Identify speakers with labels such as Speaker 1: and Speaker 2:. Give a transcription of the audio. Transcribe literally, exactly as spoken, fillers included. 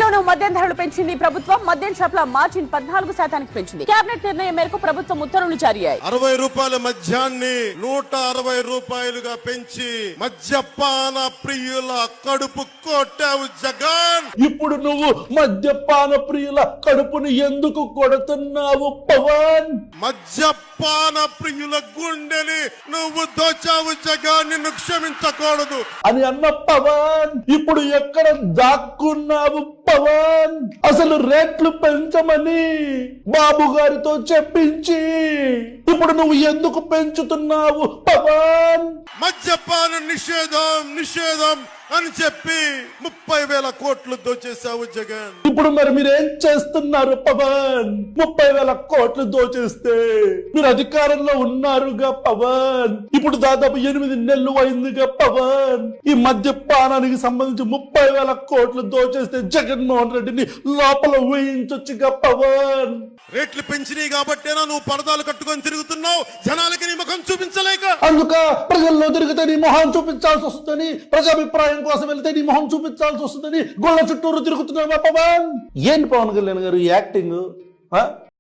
Speaker 1: ఏపీలోనూ మద్యం ధరలు పెంచింది ప్రభుత్వం. మద్యం షాపుల మార్జిన్ పద్నాలుగు శాతానికి పెంచింది. కేబినెట్ నిర్ణయం మేరకు ప్రభుత్వం ఉత్తర్వులు జారీ అయ్యాయి.
Speaker 2: అరవై రూపాయల మద్యాన్ని నూట అరవై రూపాయలుగా పెంచి మద్యపాన ప్రియుల కడుపు కొట్టావు జగన్.
Speaker 3: ఇప్పుడు నువ్వు మద్యపాన ప్రియుల కడుపుని ఎందుకు కొడుతున్నావు పవన్?
Speaker 2: మద్యపాన ప్రియుల గుండెని నువ్వు దోచావు జగన్, నిన్ను క్షమించకూడదు
Speaker 3: అని అన్న పవన్ ఇప్పుడు ఎక్కడ దాక్కున్నావు పవన్? అసలు రేట్లు పెంచమని బాబు గారితో చెప్పించి ఇప్పుడు నువ్వు ఎందుకు పెంచుతున్నావు పవన్?
Speaker 2: మద్యపాన నిషేధం నిషేధం అని చెప్పి ముప్పై వేల కోట్లు దోచేశావు జగన్.
Speaker 3: ఇప్పుడు మరి మీరేం చేస్తున్నారు పవన్? ముప్పై వేల కోట్లు దోచేస్తే మీరు అధికారంలో ఉన్నారుగా పవన్. ఇప్పుడు దాదాపు ఎనిమిది నెలలు అయిందిగా పవన్. ఈ మద్యపానానికి సంబంధించి ముప్పై వేల కోట్లు దోచేస్తే జగన్మోహన్ రెడ్డిని లోపల ఊహించొచ్చుగా పవన్.
Speaker 2: రేట్లు పెంచినాయి కాబట్టేనా నువ్వు పరదాలు కట్టుకొని తిరుగుతున్నావు, జనాలకి నీ ముఖం చూపించలేక?
Speaker 3: అందుక ప్రజల్లో తిరిగితే నీ మొహం చూపించాల్సి వస్తుందని, ప్రజాభిప్రాయం కోసం వెళ్తే నీ మొహం చూపించాల్సి వస్తుందని గుళ్ళ చుట్టూరు తిరుగుతున్నావా పవన్? ఏంటి పవన్ కళ్యాణ్ గారు యాక్టింగ్?